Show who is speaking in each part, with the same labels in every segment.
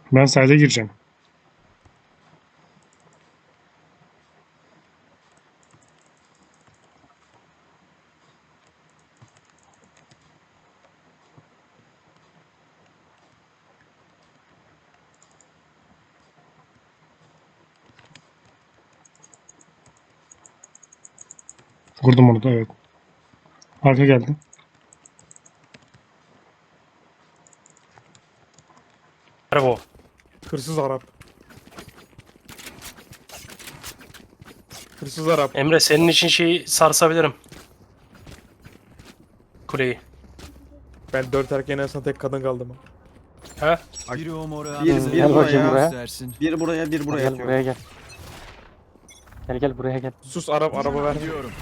Speaker 1: Ben side'e gireceğim. Vurdum onu da, evet. Arka geldi.
Speaker 2: Bravo.
Speaker 3: Hırsız Arap. Hırsız Arap.
Speaker 2: Emre senin için şeyi sarsabilirim. Kuleyi.
Speaker 3: Ben 4 erkeğin arasında tek kadın kaldım.
Speaker 2: Ha?
Speaker 4: Biri o moru
Speaker 5: Bir
Speaker 6: Gel bakayım
Speaker 5: buraya,
Speaker 6: buraya.
Speaker 4: göstersin.
Speaker 5: bir buraya, bir buraya
Speaker 6: Gel
Speaker 5: atıyor.
Speaker 6: buraya gel. Gel buraya gel.
Speaker 3: Sus Arap, araba ver.
Speaker 4: Gidiyorum.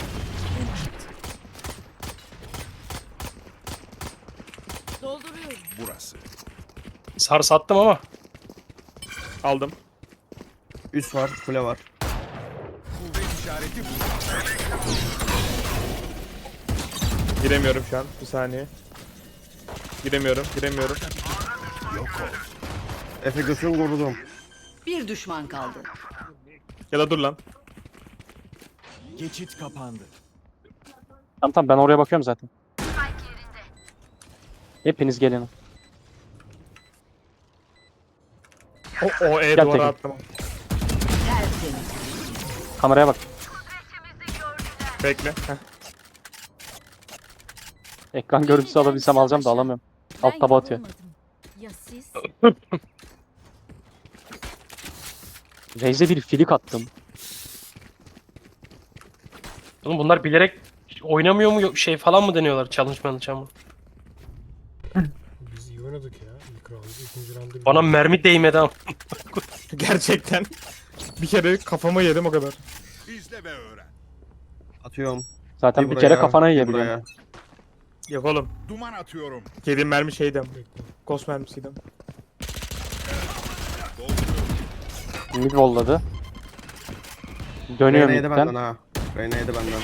Speaker 7: Dolduruyorum.
Speaker 4: Burası.
Speaker 2: Sars attım ama.
Speaker 3: Aldım.
Speaker 5: Üst var, kule var.
Speaker 4: Kuvvet işareti bu.
Speaker 3: Giremiyorum şu an. Bir saniye. Giremiyorum.
Speaker 5: Efe götürün korudum.
Speaker 7: Bir düşman kaldı.
Speaker 3: Ya da dur lan.
Speaker 4: Geçit kapandı.
Speaker 6: Tamam ben oraya bakıyorum zaten. Hepiniz gelin.
Speaker 3: O
Speaker 6: Gel
Speaker 3: duvara
Speaker 6: Tekin.
Speaker 3: attım.
Speaker 7: Tertemiz.
Speaker 6: Kameraya bak.
Speaker 3: Bekle. Heh.
Speaker 6: Ekran görüntüsü alabilsem alacağım da alamıyorum. Alt taba atıyor.
Speaker 7: Ya siz?
Speaker 6: Raze'e bir filik attım.
Speaker 2: Oğlum bunlar bilerek oynamıyor mu şey falan mı deniyorlar? Challenge mı?
Speaker 1: Biz iyi oynadık ya. İlk round, ikinci round'da.
Speaker 2: Bana mermi değmedi ama.
Speaker 3: Gerçekten. Bir kere kafama yedim o kadar.
Speaker 4: İzle ve öğren.
Speaker 5: Atıyorum.
Speaker 6: Zaten bir kere
Speaker 5: buraya,
Speaker 6: kafana
Speaker 5: bir
Speaker 6: yiyebiliyorum.
Speaker 5: buraya.
Speaker 3: Yok oğlum.
Speaker 4: Duman atıyorum.
Speaker 3: Yediğim mermi şeydim.
Speaker 1: Bekle.
Speaker 3: Ghost mermisiydim.
Speaker 6: Mid volladı. Dönüyor
Speaker 5: Reyna yedi benden
Speaker 6: midden.
Speaker 5: ha. Reyna yedi benden.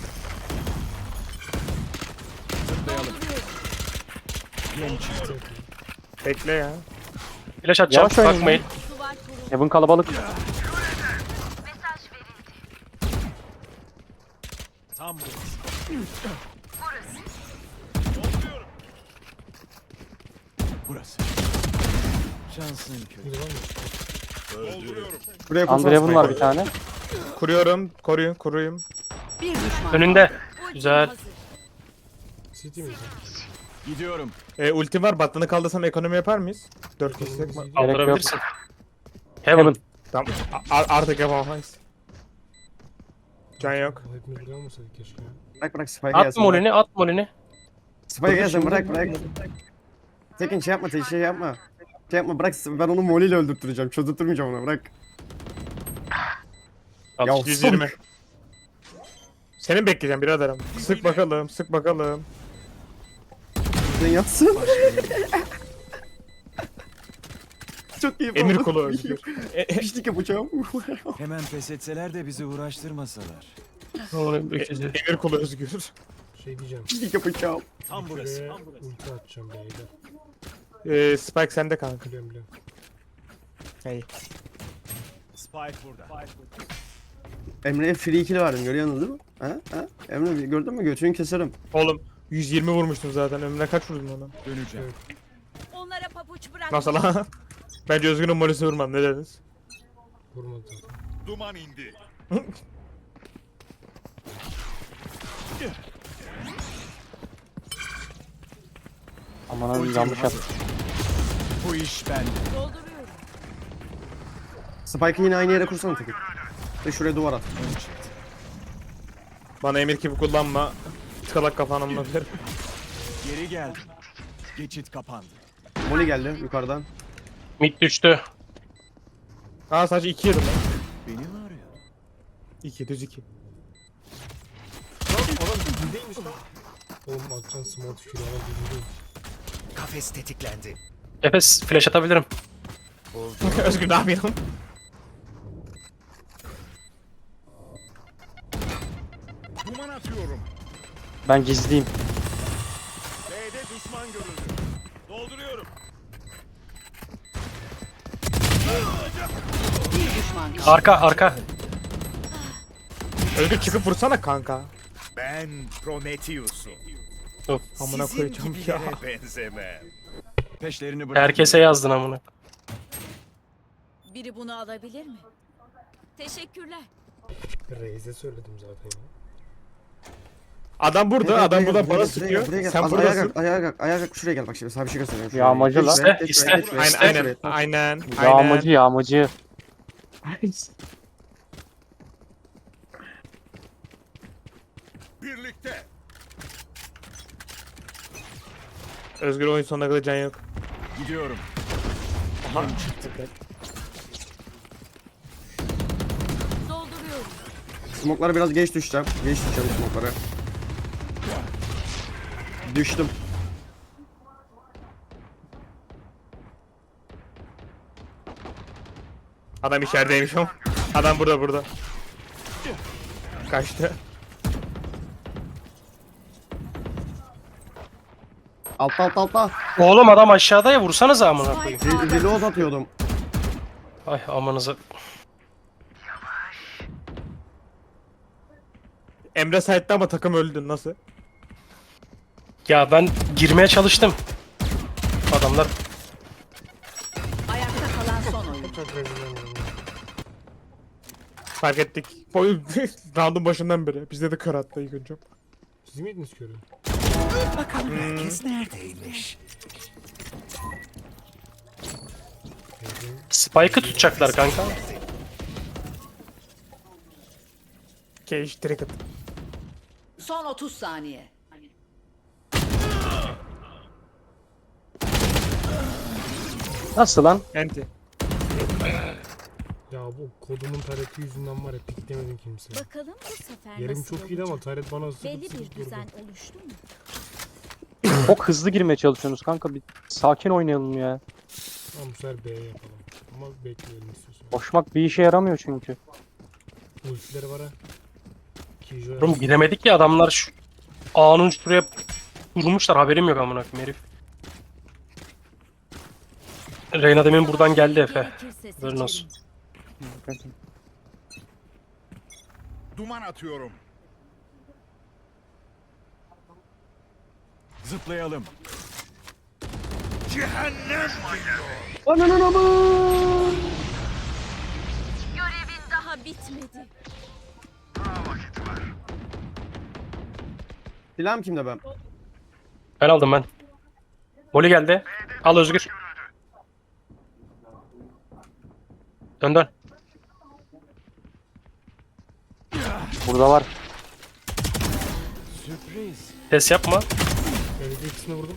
Speaker 3: Bekle ya.
Speaker 2: Flash atacağım.
Speaker 6: Yavaş oynayın
Speaker 2: Bakmayın.
Speaker 7: Duvar kurulu.
Speaker 6: Heaven kalabalık.
Speaker 4: Tam burası. Burası. Şansın kötü.
Speaker 1: Bir de var mı?
Speaker 4: Dolduruyorum.
Speaker 5: Buraya kursana
Speaker 6: Underhaven var
Speaker 5: Spike'ı.
Speaker 6: bir tane.
Speaker 3: Kuruyorum. Koruyun.
Speaker 7: Bir düşman
Speaker 2: Önünde.
Speaker 7: kaldı. Ultim
Speaker 2: Güzel.
Speaker 7: hazır.
Speaker 1: City mi?
Speaker 4: Gidiyorum.
Speaker 3: Ultim var. Battanı kaldırsam ekonomi yapar mıyız? 4 kişilik mi?
Speaker 6: Gerek
Speaker 2: Kaldırabilirsin. Heaven.
Speaker 6: Heaven.
Speaker 3: Tamam. Artık yapamayız. Can yok.
Speaker 1: Hepimiz buraya olmasaydık keşke ya.
Speaker 5: Bırak Spike'ı
Speaker 2: At
Speaker 5: gelsin.
Speaker 2: molini, at molini.
Speaker 5: Spike'ı gelsin, bırak. Tekin şey yapma, şey yapma. Şey yapma, bırak, ben onu moliyle öldürtüreceğim. Çözdürtmeyeceğim ona, bırak.
Speaker 2: Al.
Speaker 5: Ya
Speaker 3: 120. Seni bekleyeceğim biraderim. Sık bakalım.
Speaker 5: Sen yatsın. Çok iyi.
Speaker 3: Emir
Speaker 5: oldu.
Speaker 3: kulu özgür.
Speaker 5: Piştik yapacağım.
Speaker 4: Hemen pes etseler de bizi uğraştırmasalar.
Speaker 3: Emir kulu özgür.
Speaker 1: Şey diyeceğim.
Speaker 5: Piştik yapacağım.
Speaker 4: Tam burası.
Speaker 1: Şuraya ulti atacağım beyler.
Speaker 3: Spike sende kanka.
Speaker 1: Biliyorum.
Speaker 3: Hey.
Speaker 4: Spike burada.
Speaker 5: Emre'ye free kill verdim, görüyorsunuz değil mi? Ha? Emre gördün mü? Götünü keserim.
Speaker 3: Oğlum 120 vurmuştum zaten. Ömrüne kaç vurdun ona?
Speaker 4: Döneceğim.
Speaker 7: Onlara pabuç bırak.
Speaker 3: Nasıl lan? Bence Özgür'ün molisi vurmam. Ne dediniz?
Speaker 1: Vurmadı zaten.
Speaker 4: Duman indi.
Speaker 6: Aman
Speaker 4: Ultim
Speaker 6: yanlış
Speaker 4: hazır.
Speaker 6: yaptım.
Speaker 4: Bu iş bende.
Speaker 7: Dolduruyorum.
Speaker 5: Spike'ı yine aynı yere kursana Tekin. Ve şuraya duvar at.
Speaker 3: Bana emir gibi kullanma. Tıkalak kafanı anlatırım.
Speaker 4: Geri geldim. Geçit kapandı.
Speaker 5: Moli geldi yukarıdan.
Speaker 2: Mid düştü.
Speaker 3: Ha sadece 2 yedim lan.
Speaker 4: Beni mi arıyor?
Speaker 3: 2 düz 2.
Speaker 1: Oğlum atacağın small tükürü ama bilmiyorum.
Speaker 4: Kafes tetiklendi.
Speaker 2: Efes flash atabilirim.
Speaker 3: Özgür ne yapıyorsun?
Speaker 4: Duman atıyorum.
Speaker 6: Ben gizliyim.
Speaker 4: B'de düşman görüldü. Dolduruyorum.
Speaker 7: düşman kaldı.
Speaker 2: Arka.
Speaker 3: Özgür çıkıp vursana kanka.
Speaker 4: Ben Prometheus'um.
Speaker 3: Amına
Speaker 4: Sizin
Speaker 3: koyacağım ya.
Speaker 4: gibilere benzemem. Peşlerini bırak.
Speaker 2: Herkese yazdın amına.
Speaker 7: Biri bunu alabilir mi? Teşekkürler.
Speaker 1: Reis'e söyledim zaten ya.
Speaker 3: Adam burada,
Speaker 5: Buraya
Speaker 3: adam
Speaker 5: gel,
Speaker 3: burada
Speaker 5: buraya
Speaker 3: bana
Speaker 5: gel,
Speaker 3: sıkıyor.
Speaker 5: buraya gel.
Speaker 3: Sen
Speaker 5: Az
Speaker 3: buradasın.
Speaker 5: ayağa kalk, şuraya gel bak şimdi sana bir şey göstereyim. Şuraya.
Speaker 6: Yağmacı lan.
Speaker 2: İste.
Speaker 3: Aynen.
Speaker 6: Yağmacı.
Speaker 4: Birlikte.
Speaker 3: Özgür oyun sonuna kadar can yok.
Speaker 4: Gidiyorum.
Speaker 3: Aha.
Speaker 7: Dolduruyorum.
Speaker 5: Smoke'lara biraz geç düşeceğim. Geç düşeceğim smoke'lara. Düştüm.
Speaker 3: Adam içerideymiş o. Adam burada. Kaçtı.
Speaker 5: Altta.
Speaker 2: Oğlum adam aşağıda ya, vursanız amına koyayım.
Speaker 5: Reload atıyordum.
Speaker 2: Ay amanıza.
Speaker 3: Emre site'de ama takım öldü. Nasıl?
Speaker 2: Ya ben girmeye çalıştım. Adamlar
Speaker 7: Ayakta kalan son oyuncu.
Speaker 1: Çok rezil olmadım.
Speaker 3: Fark ettik. Boy round'un başından beri. Bizde de kör attı ilk önce.
Speaker 1: Siz miydiniz körü?
Speaker 4: Bakalım herkes neredeymiş?
Speaker 2: Spike'ı tutacaklar kanka.
Speaker 3: Cage direkt at.
Speaker 7: Son 30 saniye.
Speaker 6: Nasıl lan?
Speaker 3: Enti.
Speaker 1: Ya bu kodumun tareti yüzünden var ya piklemedim kimse.
Speaker 7: Bakalım bu sefer
Speaker 1: Yerim
Speaker 7: nasıl
Speaker 1: çok iyiydi ama
Speaker 7: olacak?
Speaker 1: taret bana sıkıp
Speaker 7: Belli bir
Speaker 1: sıkıp durdu.
Speaker 7: düzen oluştu mu?
Speaker 6: Çok hızlı girmeye çalışıyorsunuz kanka. Bir sakin oynayalım ya.
Speaker 1: Tamam bu sefer B'ye yapalım. Ama bekleyelim istiyorsan.
Speaker 6: Koşmak bir işe yaramıyor çünkü.
Speaker 1: Ultileri var ha. Kijo
Speaker 2: Oğlum giremedik ya, adamlar şu A'nın şuraya durmuşlar, haberim yok amına koyayım herif. Reyna demin buradan geldi Efe.
Speaker 7: Gerekirse
Speaker 2: Haberin olsun.
Speaker 7: seçerim.
Speaker 4: Duman atıyorum. Zıplayalım. Cehennem
Speaker 5: Ananın amı.
Speaker 7: Görevin daha bitmedi.
Speaker 5: Silahım kimde ben?
Speaker 2: Ben aldım ben. Molly geldi. Al Özgür. Dön.
Speaker 6: Burada var.
Speaker 4: sürpriz.
Speaker 2: Ses yapma.
Speaker 1: Evde ikisini vurdum.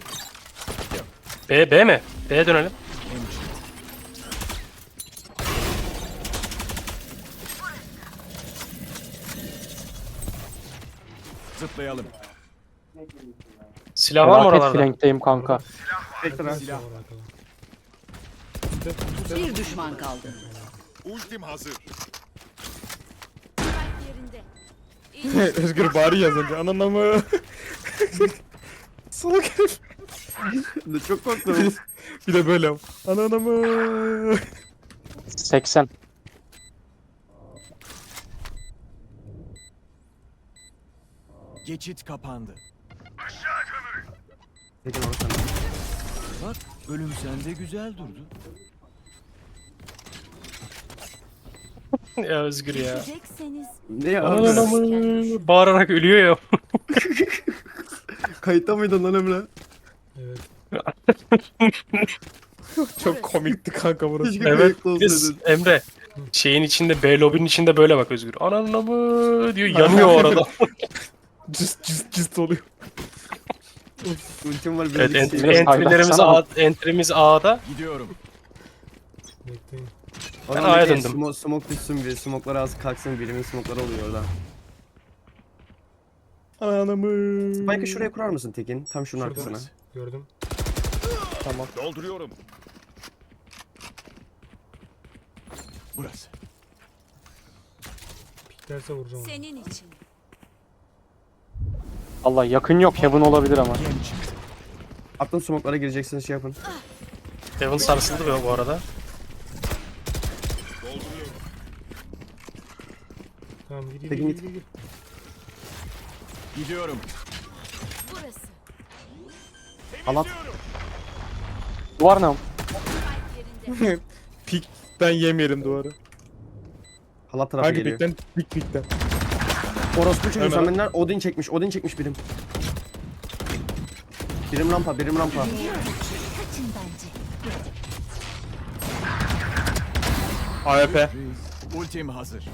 Speaker 2: B mi? B'ye dönelim.
Speaker 4: Zıplayalım.
Speaker 2: Silah var mı
Speaker 6: Felaket
Speaker 2: oralarda?
Speaker 6: flankteyim kanka.
Speaker 5: Bekle lan.
Speaker 1: Silah var arkada.
Speaker 7: Bir düşman kaldı.
Speaker 4: Ultim hazır.
Speaker 7: Yerinde.
Speaker 3: Özgür bari yaz önce. Ananı mı? Salak herif.
Speaker 5: Çok korktum.
Speaker 3: Bir de böyle. Ananı mı?
Speaker 6: 80.
Speaker 4: Geçit kapandı.
Speaker 5: Peki orası.
Speaker 4: Bak ölüm sende güzel durdu.
Speaker 2: Ya Özgür ya.
Speaker 7: Düşecekseniz
Speaker 5: Ne ya?
Speaker 2: Aman aman. Bağırarak ölüyor ya.
Speaker 5: Kayıtta mıydın lan Emre?
Speaker 1: Evet.
Speaker 3: Çok komikti kanka burası.
Speaker 5: Keşke
Speaker 2: Evet.
Speaker 5: kayıtta
Speaker 2: Biz,
Speaker 5: olsaydın.
Speaker 2: Emre. Şeyin içinde, B lobinin içinde böyle bak Özgür. Ananı mı diyor, yanıyor orada.
Speaker 3: Cıst oluyor.
Speaker 5: Ultim var bir
Speaker 2: Evet,
Speaker 5: evet,
Speaker 6: Biraz
Speaker 2: entry'miz A'da.
Speaker 4: Gidiyorum.
Speaker 1: Bekleyin.
Speaker 2: Ben A'ya döndüm.
Speaker 5: Smoke düşsün bir. Smoke'lar az kalksın. Birimin smoke'ları oluyor orada.
Speaker 3: Ananı mı?
Speaker 5: Spike'ı şuraya kurar mısın Tekin? Tam şunun
Speaker 1: Şurada.
Speaker 5: arkasına.
Speaker 1: Gördüm.
Speaker 3: Tamam.
Speaker 4: Dolduruyorum. Burası.
Speaker 1: Piklerse vuracağım onu.
Speaker 7: senin için.
Speaker 6: Allah yakın yok. Heaven olabilir ama.
Speaker 4: Gem çıktı.
Speaker 5: Attım smoke'lara gireceksiniz şey yapın.
Speaker 2: Devon sarsıldı bu arada.
Speaker 1: Tamam gir
Speaker 5: Tekin
Speaker 1: gir
Speaker 5: git.
Speaker 1: gir gir.
Speaker 4: Gidiyorum.
Speaker 7: Burası.
Speaker 5: Halat.
Speaker 6: Duvar ne?
Speaker 7: Spike yerinde.
Speaker 3: Pikten yemeyelim duvarı.
Speaker 5: Halat tarafa
Speaker 3: Hangi
Speaker 5: geliyor.
Speaker 3: pikten? Pikten.
Speaker 5: Orospu çocuğu
Speaker 3: Hemen.
Speaker 5: sen benden Odin çekmiş. Odin çekmiş birim. Birim rampa, birim rampa.
Speaker 7: Kaçın bence.
Speaker 3: AWP.
Speaker 4: Ultim hazır.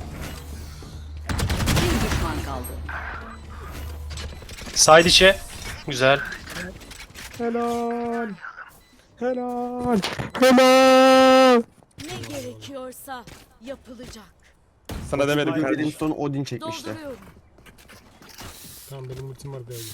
Speaker 7: Bir düşman kaldı.
Speaker 2: Side içe. Güzel.
Speaker 3: Helal. Helal. Helal.
Speaker 7: Ne gerekiyorsa yapılacak.
Speaker 3: Sana demedim
Speaker 5: Birim
Speaker 3: kardeşim.
Speaker 5: son Odin çekmişti.
Speaker 7: Dolduruyorum.
Speaker 1: Tamam benim ultim var B'ye.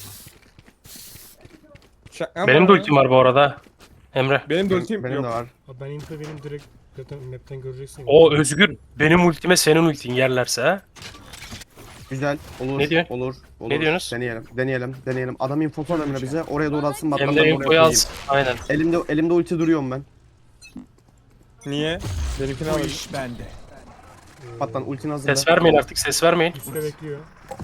Speaker 2: Benim de ultim var bu arada. Emre.
Speaker 3: Benim de ultim
Speaker 5: Benim
Speaker 3: yok.
Speaker 5: de var.
Speaker 1: Abi ben info benim direkt zaten map'ten göreceksin.
Speaker 2: O Özgür. Benim ultime senin ultin yerlerse ha.
Speaker 5: Güzel. Olur.
Speaker 2: Ne diyor?
Speaker 5: Olur. Olur.
Speaker 2: Ne diyorsunuz?
Speaker 5: Deneyelim. Adam info önemli bize. Oraya doğru atsın.
Speaker 2: Hem
Speaker 5: Batman'dan
Speaker 2: de
Speaker 5: oraya
Speaker 2: infoyu
Speaker 5: koyayım.
Speaker 2: alsın. Aynen.
Speaker 5: Elimde ulti duruyorum ben.
Speaker 3: Niye? Benimkini
Speaker 4: Bu
Speaker 3: alayım.
Speaker 4: iş bende.
Speaker 5: Batman ultini hazırla.
Speaker 2: Ses vermeyin artık. Ses vermeyin.
Speaker 1: Üstte bekliyor.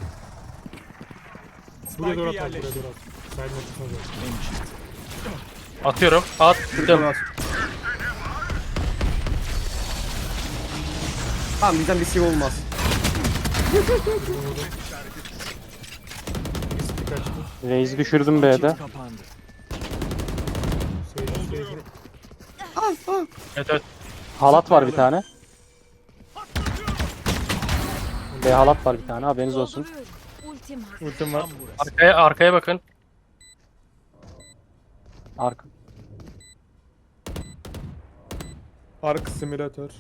Speaker 1: Buraya doğru at, buraya
Speaker 4: yerleştir.
Speaker 1: doğru at. Side noktasına doğru.
Speaker 4: Hemşire.
Speaker 2: Atıyorum.
Speaker 5: Doğru
Speaker 2: Attım.
Speaker 5: at. Tamam bizden bir şey olmaz.
Speaker 1: Riski kaçtı.
Speaker 6: Reis'i düşürdüm B'de.
Speaker 4: Geçit kapandı.
Speaker 1: Seyirci.
Speaker 2: Evet evet.
Speaker 6: Halat var bir tane. B halat var bir tane, haberiniz olsun.
Speaker 7: Dolduruyorum. Ultim hazır.
Speaker 3: Ultim var.
Speaker 4: Tam burası.
Speaker 2: Arkaya bakın.
Speaker 6: Arka.
Speaker 3: Ark simülatör.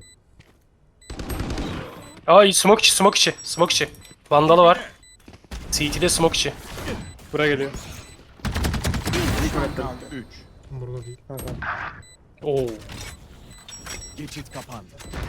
Speaker 2: Ay smoke içi, smoke içi, smoke içi. Vandalı var. CT'de smoke içi.
Speaker 3: Buraya geliyor.
Speaker 7: Bir düşman kaldı.
Speaker 4: 3.
Speaker 1: Burada değil.
Speaker 3: Ha, tamam.
Speaker 2: Oo.
Speaker 4: Geçit kapandı.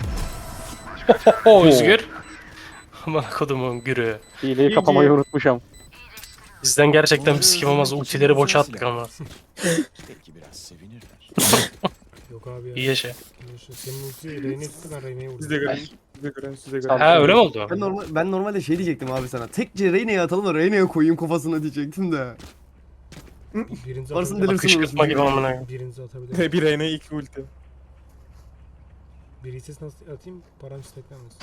Speaker 2: O Özgür. Aman kodumun gürü.
Speaker 6: Hileyi kapamayı unutmuşum.
Speaker 2: Bizden gerçekten bir sikim olmaz. Ultileri boşa attık ama.
Speaker 4: Belki biraz sevinirler.
Speaker 1: Yok abi ya.
Speaker 2: İyi yaşa.
Speaker 1: Senin ulti Reyne'yi tuttu ben Reyne'yi vurdum.
Speaker 3: Size göre. Size göre. Size
Speaker 6: Sağ ol.
Speaker 3: göre.
Speaker 2: Ha öyle mi oldu?
Speaker 5: Ben normalde şey diyecektim abi sana. Tekce Reyne'ye atalım da Reyne'ye koyayım kafasına diyecektim de.
Speaker 1: Birinizi
Speaker 5: Varsın
Speaker 1: atabilir.
Speaker 5: delirsin
Speaker 2: Kışkırtma gibi
Speaker 5: orası.
Speaker 2: amına.
Speaker 1: Birinizi atabilir.
Speaker 3: Bir reyne 2 ulti.
Speaker 1: Birisi nasıl atayım? Param steklenmesin.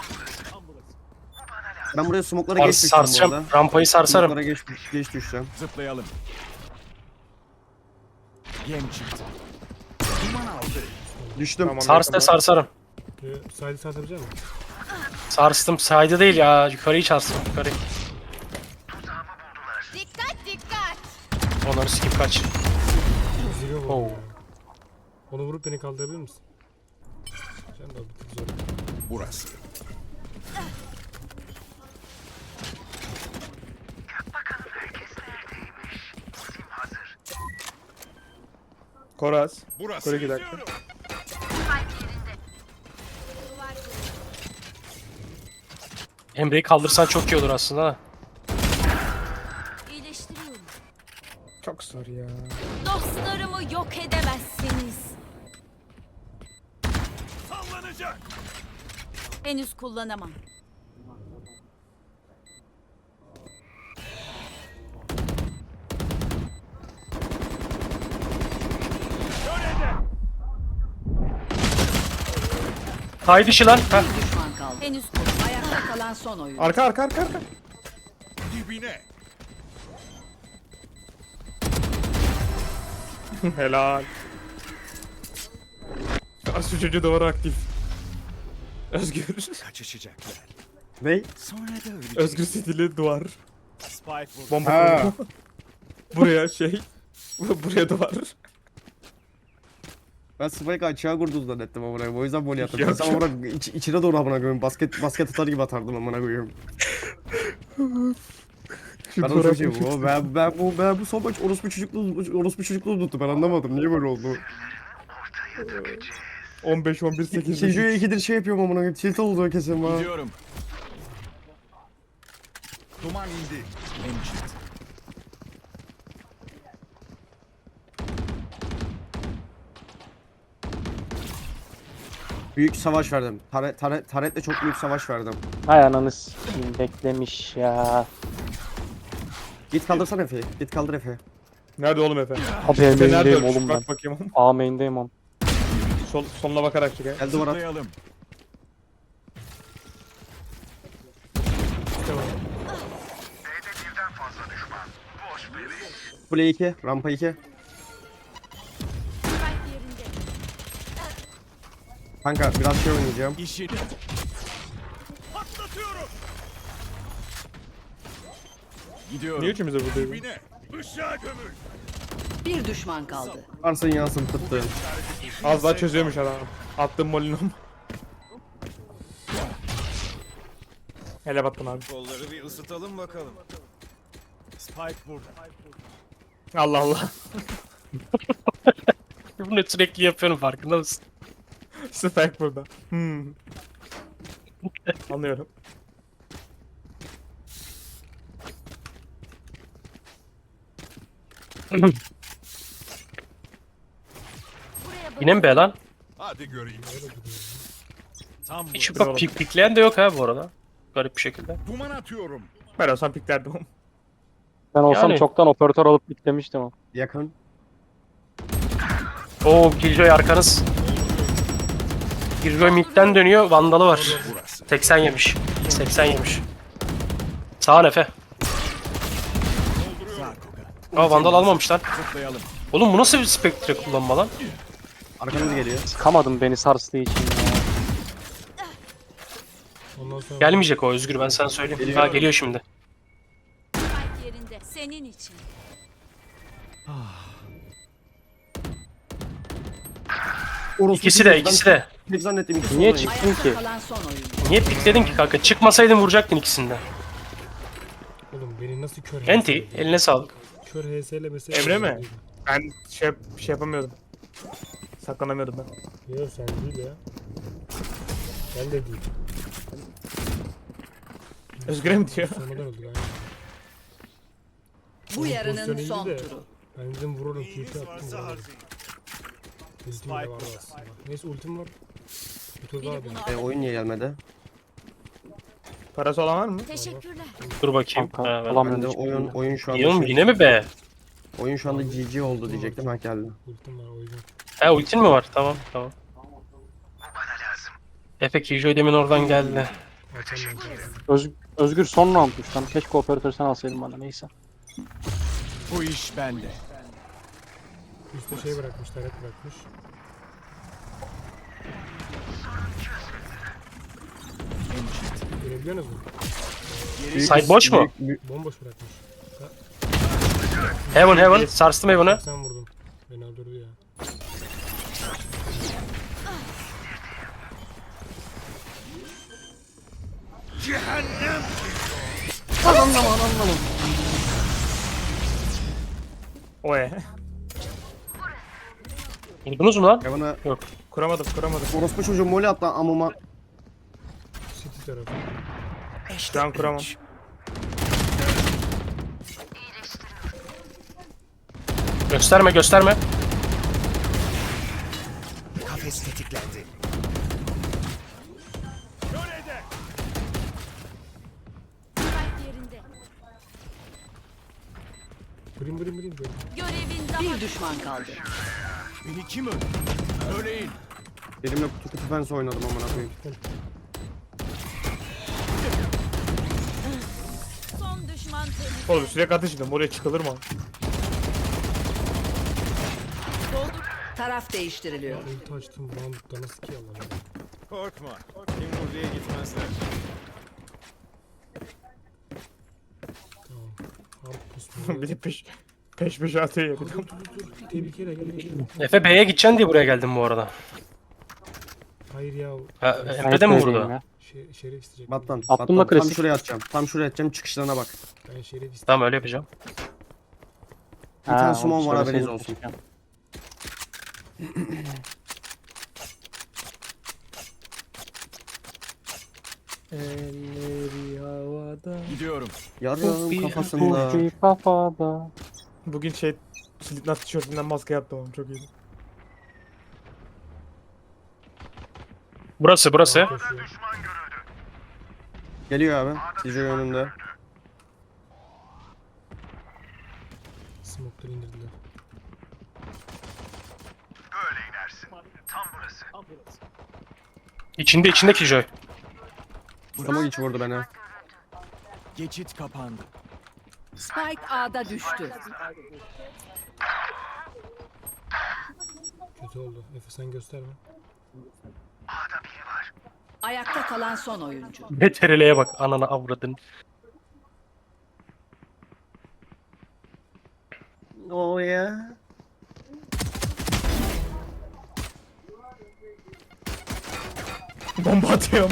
Speaker 5: Ben buraya smoke'lara geç düştüm bu
Speaker 2: Sarsacağım.
Speaker 5: arada.
Speaker 2: Rampayı sarsarım.
Speaker 5: Smoke'lara geç düşeceğim.
Speaker 4: Zıplayalım. Yem çıktı. Duman aldı.
Speaker 5: Düştüm.
Speaker 3: Tamam.
Speaker 2: Sars da sarsarım.
Speaker 1: Side'i satabilecek misin?
Speaker 2: Sarstım. Side'ı değil ya. Yukarıyı sarstım. Yukarı.
Speaker 7: Dikkat dikkat.
Speaker 2: Onları skip kaç.
Speaker 1: Zilyon
Speaker 2: Oo.
Speaker 1: vurdum ya. Onu vurup beni kaldırabilir misin? Sen de bir tık zor.
Speaker 4: Burası.
Speaker 3: Koraz.
Speaker 4: Burası.
Speaker 3: Kore 2 dakika.
Speaker 2: Emre'yi kaldırsan çok iyi olur aslında da.
Speaker 7: İyileştiriyorum.
Speaker 3: Çok zor ya.
Speaker 7: Dostlarımı yok edemezsiniz.
Speaker 4: Sallanacak.
Speaker 7: Henüz kullanamam.
Speaker 2: Side işi lan. Heh.
Speaker 7: Bir düşman kaldı. Henüz ayakta kalan son oyun.
Speaker 3: Arka.
Speaker 4: Dibine.
Speaker 3: Helal. Şu çocuğu duvarı aktif. Özgür.
Speaker 4: Kaçışacaklar.
Speaker 5: Ne?
Speaker 4: Sonra da ölecek.
Speaker 3: Özgür stili duvar.
Speaker 4: Spike vurdu.
Speaker 3: Bomba
Speaker 5: Ha.
Speaker 3: kurulu. Buraya şey. Buraya duvar.
Speaker 5: Ben Spike açığa kurdu zannettim amına koyayım. O yüzden voley attım.
Speaker 3: Yok,
Speaker 5: Sen amına içine doğru amına koyayım. Basket atar gibi atardım amına koyayım.
Speaker 3: Şu
Speaker 5: Ben o
Speaker 3: duvara
Speaker 5: çocuğum. Ben bu son maç orospu çocukluğu tuttu. Ben anlamadım. Niye böyle oldu?
Speaker 3: 15-11-8.
Speaker 5: Şeju'ya ikidir şey yapıyorum amına koyayım. Tilt oldu kesin bana.
Speaker 4: Gidiyorum. Duman indi. Yem çıktı.
Speaker 5: Büyük savaş verdim. Taretle çok büyük savaş verdim.
Speaker 6: Hay ananı s**eyim, beklemiş ya.
Speaker 5: Git kaldırsana Efe'yi. Git kaldır Efe'yi.
Speaker 3: Nerede oğlum Efe?
Speaker 6: Abi
Speaker 3: Efe nerede
Speaker 6: main'deyim
Speaker 3: ölmüş?
Speaker 6: oğlum ben.
Speaker 3: Bak bakayım oğlum.
Speaker 6: A main'deyim oğlum.
Speaker 3: Sonuna bakarak çık.
Speaker 5: Gel duvara at.
Speaker 4: Zıplayalım.
Speaker 5: Kule 2. Rampa 2. Kanka biraz şey oynayacağım.
Speaker 4: İşini. Patlatıyorum. Gidiyorum.
Speaker 3: Niye üçümüz de buradayız?
Speaker 4: Dibine. Işığa gömül.
Speaker 7: Bir düşman kaldı.
Speaker 5: Varsın yansın tıttı.
Speaker 3: Az daha çözüyormuş adam. Attım molinom. Hele battım abi.
Speaker 4: Kolları bir ısıtalım bakalım. Spike burada.
Speaker 3: Allah Allah.
Speaker 2: Bunu sürekli yapıyorum, farkında mısın?
Speaker 3: Spike burada. Anlıyorum.
Speaker 2: Yine mi be lan?
Speaker 4: Hadi göreyim. Tam
Speaker 2: Hiç
Speaker 4: burada.
Speaker 2: bak pikleyen de yok ha bu arada. Garip bir şekilde.
Speaker 4: Duman atıyorum.
Speaker 3: Ben olsam piklerdim oğlum.
Speaker 6: Ben olsam
Speaker 2: Yani.
Speaker 6: çoktan operatör alıp bitlemiştim ama.
Speaker 5: Yakın.
Speaker 2: Oo, Killjoy arkanız. Killjoy midden dönüyor, vandalı var.
Speaker 4: Burası.
Speaker 2: 80 yemiş. 80 yemiş. Sağ ol Efe.
Speaker 4: Zarkoga.
Speaker 2: Aa, vandal almamış lan.
Speaker 4: Zıplayalım.
Speaker 2: Oğlum bu nasıl bir spektre kullanma lan?
Speaker 5: Arkanız geliyor.
Speaker 6: Sıkamadım beni sarstığı için ya.
Speaker 1: Ondan sonra
Speaker 2: Gelmeyecek o Özgür, ben sana söyleyeyim.
Speaker 5: Geliyor.
Speaker 2: Ha, geliyor şimdi.
Speaker 7: Spike yerinde. Senin için.
Speaker 5: Orospu
Speaker 2: İkisi de,
Speaker 5: çocuğu.
Speaker 2: ikisi de.
Speaker 5: Ben tek zannettim ikisi.
Speaker 6: Niye
Speaker 5: oradaymış.
Speaker 6: çıktın ki?
Speaker 7: Ayakta kalan son oyuncu.
Speaker 2: Niye pikledin ki kanka? Çıkmasaydın vuracaktın ikisini de.
Speaker 1: oğlum beni nasıl kör
Speaker 2: Enti, eline sağlık.
Speaker 1: Kör HS'le mesela.
Speaker 3: Emre mi? Ben şey yapamıyordum. Saklanamıyordum ben.
Speaker 1: Yok sen değil ya. Ben de değil.
Speaker 3: Özgür'e mi diyor?
Speaker 1: Sonradan öldük aynen.
Speaker 7: Bu
Speaker 1: Onun
Speaker 7: yarının
Speaker 1: pozisyonu
Speaker 7: son
Speaker 1: iyiydi de.
Speaker 7: turu.
Speaker 1: Ben dedim vururum TP attım. vuramadım. Ultim de vardı aslında. Neyse ultim var. Bir tur daha benim.
Speaker 5: Oyun niye gelmedi?
Speaker 3: Parası olan var mı?
Speaker 7: Teşekkürler.
Speaker 2: Dur bakayım.
Speaker 6: Kanka
Speaker 2: Ha, ben-
Speaker 6: alamıyorum
Speaker 5: Ben de
Speaker 6: hiçbirini.
Speaker 5: oyun şu anda
Speaker 2: Yine, yine mi be?
Speaker 5: oyun şu anda GG oldu diyecektim ha geldi.
Speaker 1: Ultim var o yüzden.
Speaker 2: Ha, ultin mi var? Tamam, tamam. Efe Killjoy demin oradan geldi.
Speaker 1: Açamıyorum.
Speaker 6: Özgür son roundmuş lan. Keşke operatör sen alsaydın bana, neyse.
Speaker 4: Bu iş bende.
Speaker 1: Üste şey bırakmış, taret bırakmış. Görebiliyor musun?
Speaker 2: Side boş mu?
Speaker 1: Bomboş bırakmış.
Speaker 2: Heaven, Heaven. Sarstım Heaven'ı.
Speaker 1: Sen vurdun. Beni öldürdü ya.
Speaker 3: Oy.
Speaker 2: Vurdunuz mu lan?
Speaker 5: Bana
Speaker 3: Kuramadım.
Speaker 5: orospu çocuğu moli attı amıma.
Speaker 1: City tarafı.
Speaker 3: Şu an kuramam.
Speaker 2: Gösterme, gösterme.
Speaker 4: Kafes tetiklendi. Körede.
Speaker 7: Spike yerinde.
Speaker 1: Brim brim brim. brim.
Speaker 7: Görevin daha... Bir düşman kaldı.
Speaker 4: Beni kim öldü? Örneğin.
Speaker 5: Elimle kutu fence oynadım amına koyayım.
Speaker 7: Son düşman temiz.
Speaker 3: Oğlum sürekli ateş edin. Buraya çıkılır mı?
Speaker 7: Taraf değiştiriliyor.
Speaker 1: Ulti açtım roundda nasıl ki Allah'ım.
Speaker 4: Korkma. Kim buraya gitmezler.
Speaker 1: Tamam. Harp pusmuyor.
Speaker 3: Bir de peş atıyor ya bir de.
Speaker 1: Tehlikeli gel.
Speaker 2: Efe B'ye gideceksin diye buraya geldim bu arada.
Speaker 1: Hayır ya.
Speaker 2: Ha,
Speaker 6: Ben
Speaker 2: Emre de mi
Speaker 6: etmeyeyim
Speaker 2: vurdu?
Speaker 6: ya.
Speaker 1: Şerif isteyecek.
Speaker 5: Battan.
Speaker 6: Attım
Speaker 5: Battan.
Speaker 6: da
Speaker 5: Tam
Speaker 6: klasik.
Speaker 5: şuraya atacağım. Tam şuraya atacağım çıkışlarına bak.
Speaker 1: Ben şerif isteyeceğim.
Speaker 2: Tamam, öyle yapacağım.
Speaker 5: Bir tane
Speaker 6: Ha,
Speaker 5: summon
Speaker 6: onu
Speaker 5: var haberiniz
Speaker 6: söyleseydin
Speaker 5: olsun.
Speaker 6: keşke.
Speaker 3: Elleri havada.
Speaker 4: Gidiyorum.
Speaker 5: Yarın kafasında.
Speaker 6: Ulti kafada.
Speaker 3: Bugün Slipknot tişörtünden maske yaptım oğlum çok iyiydi.
Speaker 2: Burası burası.
Speaker 1: Koşuyor.
Speaker 5: Geliyor abi. Tijo önünde.
Speaker 1: Smoke'ları indirdiler.
Speaker 2: İçinde Killjoy.
Speaker 5: Tamam hiç vurdu beni.
Speaker 4: Geçit kapandı.
Speaker 7: Spike A'da düştü.
Speaker 1: Kötü oldu. Efe sen gösterme.
Speaker 7: Ayakta kalan son oyuncu.
Speaker 2: BTRL'ye bak anana avradın.
Speaker 5: Oh ya.
Speaker 3: Bomba atıyorum.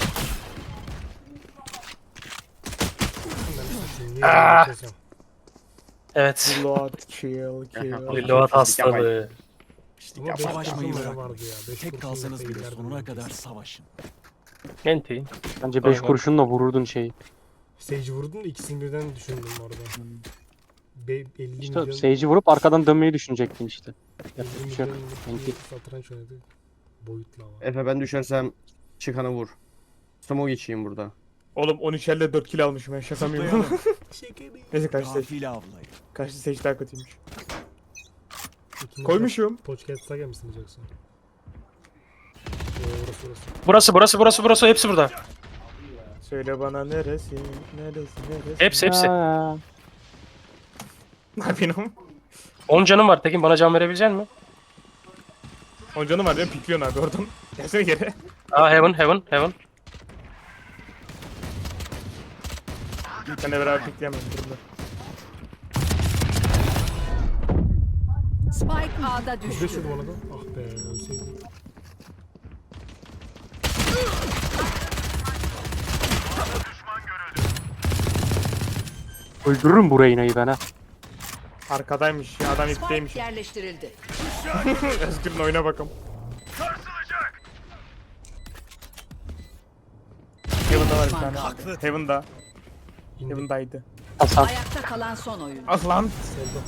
Speaker 1: Niye
Speaker 2: Ah!
Speaker 1: geçeceğim?
Speaker 2: Evet.
Speaker 3: Reload, kill.
Speaker 2: Reload hastalığı.
Speaker 1: Ama 5
Speaker 4: Savaşmayı
Speaker 1: kurşun
Speaker 4: bırak.
Speaker 1: vardı ya. 5
Speaker 4: Tek kalsanız bile sonuna kadar savaşın.
Speaker 2: Enti.
Speaker 6: Bence 5
Speaker 2: Aynen.
Speaker 6: kurşunla vururdun şeyi.
Speaker 1: Sage vurdun da ikisini birden düşündüm orada. 50
Speaker 6: İşte
Speaker 1: milyon,
Speaker 6: Sage'i vurup arkadan dönmeyi düşünecektin işte.
Speaker 1: 50
Speaker 6: Yapacak bir şey yok.
Speaker 1: milyonluk
Speaker 6: Enti.
Speaker 1: bir satranç oynadı. Boyutlu ama.
Speaker 5: Efe ben düşersem çıkanı vur. Smoke içeyim burada.
Speaker 3: Oğlum 13 elde 4 kill almışım ben şaka mı yapıyorum?
Speaker 4: Zıplayalım.
Speaker 3: Neyse kaçtı seç.
Speaker 4: Gafil avlayın.
Speaker 3: Kaçtı seç daha kötüymüş.
Speaker 1: İkinci
Speaker 3: Koymuşum.
Speaker 1: Podcast Saga mısın diyeceksin? Orası.
Speaker 2: Burası hepsi burada.
Speaker 3: Söyle bana neresi? Neresi?
Speaker 2: Hepsi.
Speaker 6: Ha.
Speaker 3: Ne yapayım?
Speaker 2: 10 canım var Tekin, bana can verebilecek misin?
Speaker 3: Oncanım var benim pikliyorsun abi oradan. Gelsene geri.
Speaker 2: Aa heaven.
Speaker 3: Sen de beraber pikleyemem durumda.
Speaker 7: Spike A'da düştü.
Speaker 1: 35 vurdum ona da. Ah be ölseydim.
Speaker 6: Öldürürüm bu Reyna'yı ben ha.
Speaker 3: Arkadaymış ya adam ipteymiş.
Speaker 7: Spike yerleştirildi.
Speaker 3: Özgür'ün oyuna bakalım. Heaven'da var bir tane. Heaven'da.
Speaker 1: İndi.
Speaker 3: Heaven'daydı.
Speaker 6: Hasan.
Speaker 7: Ayakta kalan son oyuncu.
Speaker 3: Ah lan.
Speaker 1: Solda.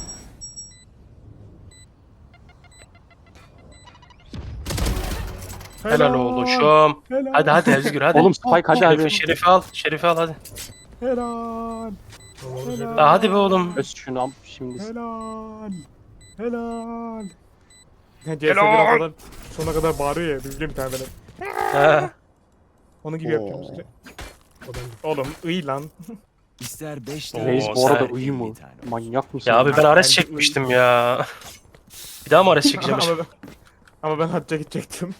Speaker 2: Helal oğlum.
Speaker 3: Helal.
Speaker 2: Hadi Özgür hadi.
Speaker 6: Oğlum Spike hadi hadi.
Speaker 2: Şerifi al hadi.
Speaker 3: Helal.
Speaker 1: Tamam, orada
Speaker 2: Aa, hadi be oğlum.
Speaker 6: Öz şunu am şimdi.
Speaker 3: Helal. Helal. Ya CS biraz kadar sona kadar bağırıyor ya bildiğim bir tane böyle.
Speaker 2: Ha.
Speaker 3: Onun gibi yapıyorum işte.
Speaker 1: o ben
Speaker 3: Oğlum iyi lan.
Speaker 4: İster 5
Speaker 2: Oo,
Speaker 6: Reis bu arada
Speaker 2: sen-
Speaker 6: iyi mi? Manyak mısın?
Speaker 2: Ya abi ben Ares
Speaker 3: Bence
Speaker 2: çekmiştim ya. Bir daha mı Ares çekeceğim?
Speaker 3: ama ben hacca gidecektim.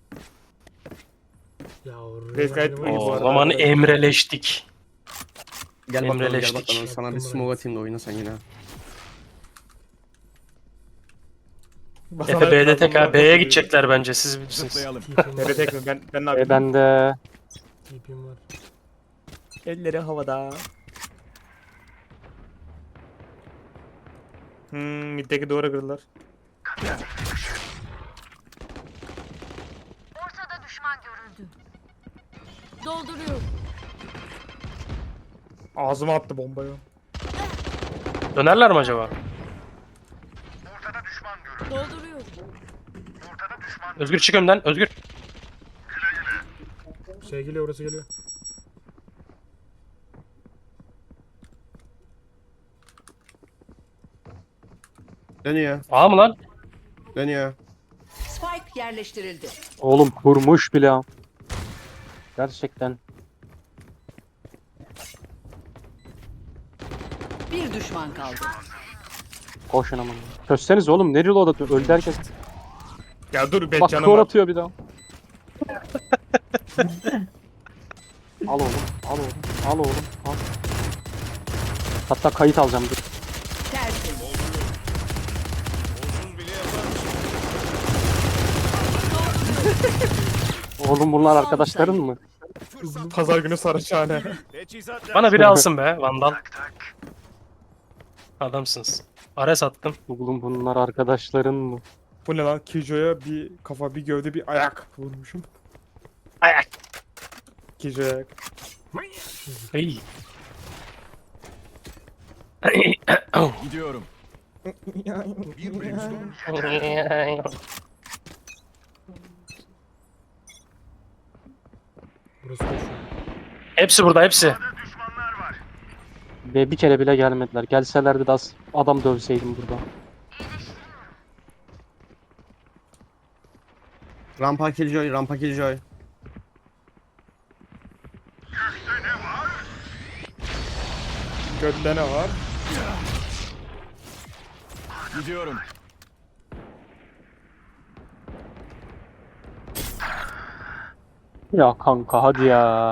Speaker 1: Ya
Speaker 3: Reis gayet iyi bu
Speaker 2: O
Speaker 3: arada.
Speaker 2: zaman emreleştik.
Speaker 5: Gel bakalım
Speaker 2: Emreleştik.
Speaker 5: sana bir smoke atayım da oyna sen yine.
Speaker 2: Efe B'de tekrar B'ye gidecekler bence, siz bilirsiniz.
Speaker 4: Zıplayalım.
Speaker 3: Nerede tek mi? Ben ne yapayım?
Speaker 6: Ben de
Speaker 1: TP'm var.
Speaker 3: Elleri havada. Middeki duvara kırdılar.
Speaker 7: Dolduruyorum.
Speaker 3: Ağzıma attı bombayı.
Speaker 2: Dönerler mi acaba?
Speaker 7: Dolduruyorum.
Speaker 2: Özgür çık önden. Özgür.
Speaker 1: Şey geliyor, orası geliyor.
Speaker 5: Dönüyor.
Speaker 2: A mı lan?
Speaker 5: Dönüyor.
Speaker 7: Spike yerleştirildi.
Speaker 6: oğlum kurmuş bile. ha. Gerçekten.
Speaker 7: Bir düşman kaldı.
Speaker 6: Koşun aman. Çözseniz oğlum ne reload atıyor? Öldü herkes.
Speaker 3: Ya dur ben
Speaker 6: Bak
Speaker 3: canım
Speaker 6: skor
Speaker 3: var.
Speaker 6: atıyor bir daha. Al oğlum. Al oğlum. Al oğlum. Al. Hatta kayıt alacağım dur.
Speaker 7: Tertemiz.
Speaker 6: Oğlum bunlar arkadaşların mı?
Speaker 3: Pazar günü Saraçhane.
Speaker 4: Teçhizat
Speaker 2: Bana biri alsın be Vandal. Adamsınız. Ares attım.
Speaker 6: Oğlum bunlar arkadaşların mı?
Speaker 3: Bu ne lan? Kijo'ya bir kafa bir gövde bir ayak vurmuşum.
Speaker 2: Ayak.
Speaker 3: Kijo'ya ayak.
Speaker 2: İyi.
Speaker 4: gidiyorum.
Speaker 1: Burası koşuyor.
Speaker 2: Hepsi burada hepsi.
Speaker 6: Ve bir kere bile gelmediler. Gelselerdi de adam dövseydim burada.
Speaker 5: Rampa Killjoy, Rampa Killjoy.
Speaker 3: Götte ne var?
Speaker 4: Gidiyorum.
Speaker 6: Ya kanka hadi ya.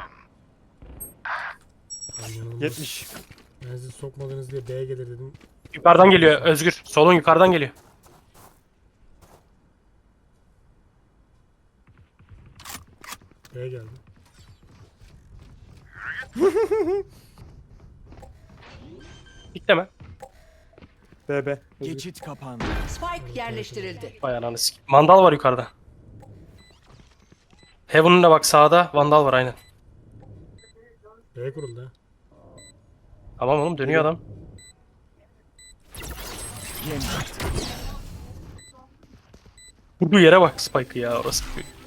Speaker 1: Ben yanılmaz.
Speaker 3: 70.
Speaker 1: Ben sizi sokmadınız diye B'ye gelir dedim.
Speaker 2: Yukarıdan geliyor Özgür. Solun yukarıdan geliyor.
Speaker 1: B'ye geldi.
Speaker 2: Bitleme.
Speaker 3: BB.
Speaker 4: Geçit kapandı.
Speaker 7: Spike yerleştirildi.
Speaker 2: Vay ananı sikeyim. Vandal var yukarıda. Heaven'ın da bak sağda Vandal var aynen.
Speaker 1: B'ye kuruldu ha.
Speaker 2: Tamam oğlum dönüyor adam.
Speaker 4: Yem.
Speaker 2: Vurduğu yere bak Spike'ı ya orası.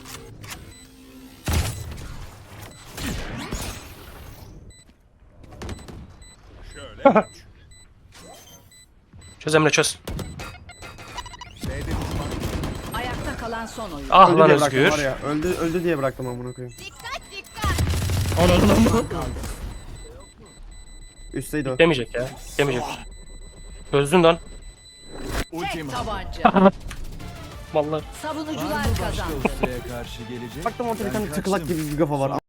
Speaker 4: Şöyle.
Speaker 2: Çöz Emre çöz.
Speaker 4: B'de düşman.
Speaker 7: Ayakta kalan son oyun.
Speaker 2: Ah
Speaker 5: Öldü
Speaker 2: lan
Speaker 5: diye bıraktım
Speaker 2: Özgür.
Speaker 5: var ya. Öldü diye bıraktım amına koyayım. Üstteydi o.
Speaker 2: Demeyecek ya. Demeyecek. Çözdün lan.
Speaker 4: Ultim.
Speaker 7: Tabanca.
Speaker 2: Vallahi.
Speaker 7: Savunucular kazandı.
Speaker 4: Dostaya karşı gelecek.
Speaker 5: Baktım ortada bir
Speaker 4: Ben
Speaker 5: tane tıkılak
Speaker 4: kaçtım.
Speaker 5: gibi bir kafa var.